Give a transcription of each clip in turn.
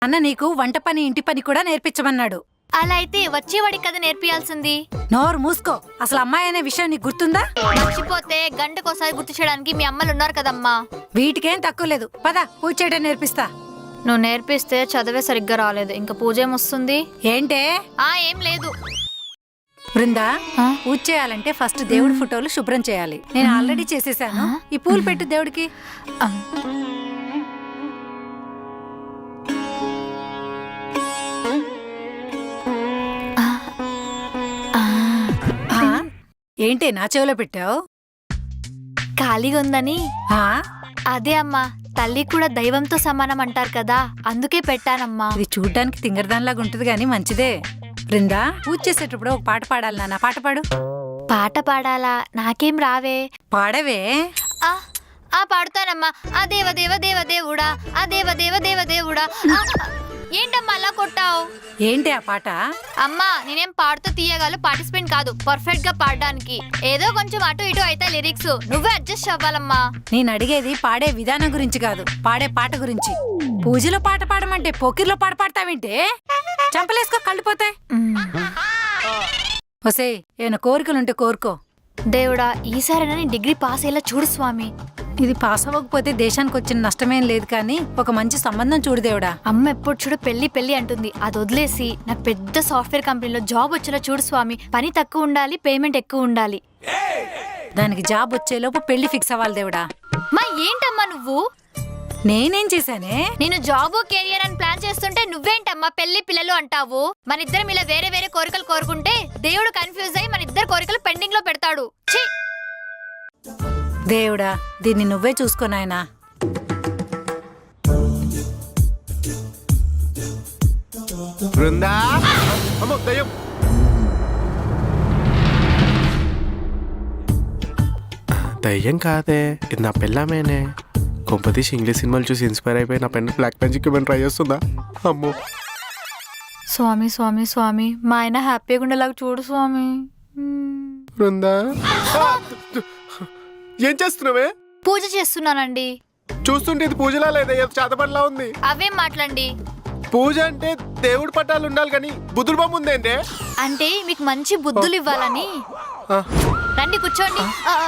అన్న నీకు వంట పని ఇంటి పని కూడా నేర్పించమన్నాడు. అలా అయితే వచ్చేవాడికి కదా నేర్పియాల్సింది. నోరు మూసుకో. అసలు అమ్మాయి అనే విషయం నీకు గుర్తుందా? మర్చిపోతే గంటకోసారి గుర్తు చేయడానికి మీ అమ్మలు ఉన్నారు కదమ్మా. వీటికేం తక్కువ లేదు. పద పూజ చేయడం నేర్పిస్తా. నువ్వు నేర్పిస్తే చదివే సరిగ్గా రాలేదు, ఇంకా పూజ ఏమొస్తుంది? ఏంటే? ఏం లేదు. బృందా, పూజ చేయాలంటే ఫస్ట్ దేవుడి ఫోటోలు శుభ్రం చేయాలి. నేను ఆల్రెడీ చేసేసాను. ఈ పూలు పెట్టు దేవుడికి. ఏంటి నా చెవిలో పెట్టావు? ఖాళీగా ఉందని. అదే అమ్మా, తల్లి కూడా దైవంతో సమానం అంటారు కదా, అందుకే పెట్టానమ్మా. ఇది చూడ్డానికి తింగరదానిలాగా ఉంటది గాని మంచిదే. బృందా, పూజ చేసేటప్పుడు ఒక పాట పాడాలి నాన్న. పాట పాడు. పాట పాడాలా? నాకేం రావే. పాడవే. పాడుతానమ్మా. ఆ దేవ దేవ దేవ దేవుడా, ఆ దేవ దేవ దేవ దేవుడా. ఏంటమ్మా అలా కొట్టావు? ఏంటి ఆ పాట? అమ్మా నేనేం పాడుతూ తీయగల పార్టిసిపెంట్ కాదు, పర్ఫెక్ట్ గా పాడడానికి. ఏదో కొంచెం అటు ఇటు అయితే లిరిక్స్ నువ్వే అడ్జస్ట్ అవ్వాలమ్మా. నేను అడిగేది పాడే విధానం గురించి కాదు, పాడే పాట గురించి. పూజలో పాట పాడమంటే పోకిర్లో పాట పాడతావేంటే? చంపలేసుకో, కళ్ళిపోతాయి. ఒసే, ఏమైనా కోరికలుంటే కోరుకో. దేవుడా, ఈసారైనా నేను డిగ్రీ పాస్ అయ్యేలా చూడు స్వామి. ఇది పాస్ అవ్వకపోతే దేశానికి వచ్చిన నష్టమేం లేదు, కానీ ఒక మంచి సంబంధం చూడు దేవుడా. అమ్మ ఎప్పుడు చూడు పెళ్లి పెళ్లి అంటుంది, అది వదిలేసి నాకు పెద్ద సాఫ్ట్వేర్ కంపెనీలో జాబ్ వచ్చేలా చూడు స్వామి. పని తక్కువ ఉండాలి, పేమెంట్ ఎక్కువ ఉండాలి. దానికి జాబ్ వచ్చేలోపు పెళ్లి ఫిక్స్ అవ్వాలి దేవుడా. మా ఏంటమ్మా నువ్వు? నేనేం చేశానే? నేను జాబ్ కెరియర్ అని ప్లాన్ చేస్తుంటే నువ్వేంటమ్మా పెళ్లి పిల్లలు అంటావు? మన ఇద్దరం ఇలా వేరే వేరే కోరికలు కోరుకుంటే దేవుడు కన్ఫ్యూజ్ అయ్యి మన ఇద్దరు కోరికలు పెండింగ్ లో పెడతాడు. దేవుడా, దీన్ని నువ్వే చూసుకో నాయనా. బృందా, అమ్మో దయ్యం. దయ్యం కాదే, ఇది నా పెళ్ళామేనే. కొంపతీసి ఇంగ్లీష్ సినిమాలు చూసి ఇన్స్పైర్ అయిపోయి నా పెన్ బ్లాక్ మ్యాజిక్ ఏమైనా ట్రై చేస్తుందా? అమ్మో స్వామి స్వామి స్వామి, మా ఆయన హ్యాపీగా ఉండేలాగా చూడు స్వామి. బృందా, ఏం చేస్తున్నావే? పూజ చేస్తున్నానండి. చూస్తుంటే ఇది పూజలా లేదా, ఏదో చేతపడిలా ఉంది. అవేం మాట్లాడండి. పూజ అంటే దేవుడి పట్టాలు ఉండాలి కానీ బుద్ధుల బొమ్మ ఉందేంటే? అంటే మీకు మంచి బుద్ధులు ఇవ్వాలని. రండి కూర్చోండి,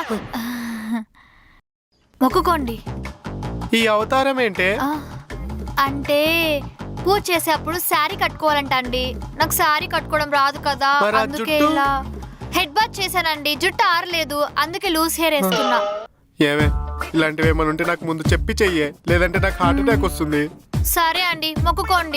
మొక్కుకోండి. ఈ అవతారం ఏంటే? అంటే పూజ చేసేప్పుడు శారీ కట్టుకోవాలంట అండి. నాకు శారీ కట్టుకోవడం రాదు కదా, అందుకే ఇలా హెడ్ బాత్ చేశానండి. జుట్టు ఆరలేదు, అందుకే లూజ్ హెయిర్ వేసుకున్నా. ఏమే, ఇలాంటివి ఏమైనా ఉంటే నాకు ముందు చెప్పి చెయ్యే, లేదంటే నాకు హార్ట్ అటాక్ వస్తుంది. సరే అండి, మొక్కుకోండి.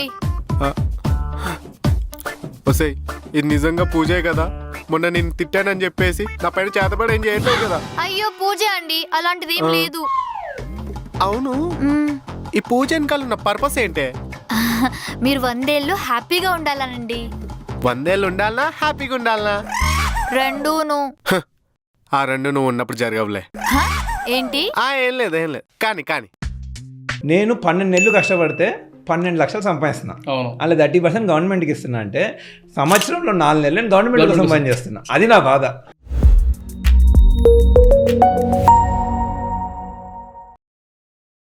వసే, ఇది నిజంగా పూజే కదా? మొన్న నేను తిట్టానని చెప్పేసి నా పైన చేతబడి ఏం చేయట్లేదు కదా? అయ్యో పూజ అండి, అలాంటిది ఏం లేదు. అవును, ఈ పూజ వెనకాల ఉన్న పర్పస్ ఏంటే? మీరు 100 ఏళ్ళు హ్యాపీగా ఉండాలనండి. 100 ఏళ్ళు ఉండాలనా, హ్యాపీగా ఉండాలనా? రెండూను. ఆ రెండు నువ్వు ఉన్నప్పుడు జరగవులే. ఏంటి? ఏం లేదు ఏం లేదు, కానీ కానీ నేను 12 నెలలు కష్టపడితే 12 లక్షలు సంపాదిస్తున్నా. అలా 30% గవర్నమెంట్కి ఇస్తున్నా. అంటే సంవత్సరంలో 4 నెలలు నేను గవర్నమెంట్ కోసం సంపాదించేస్తున్నా. అది నా బాధ.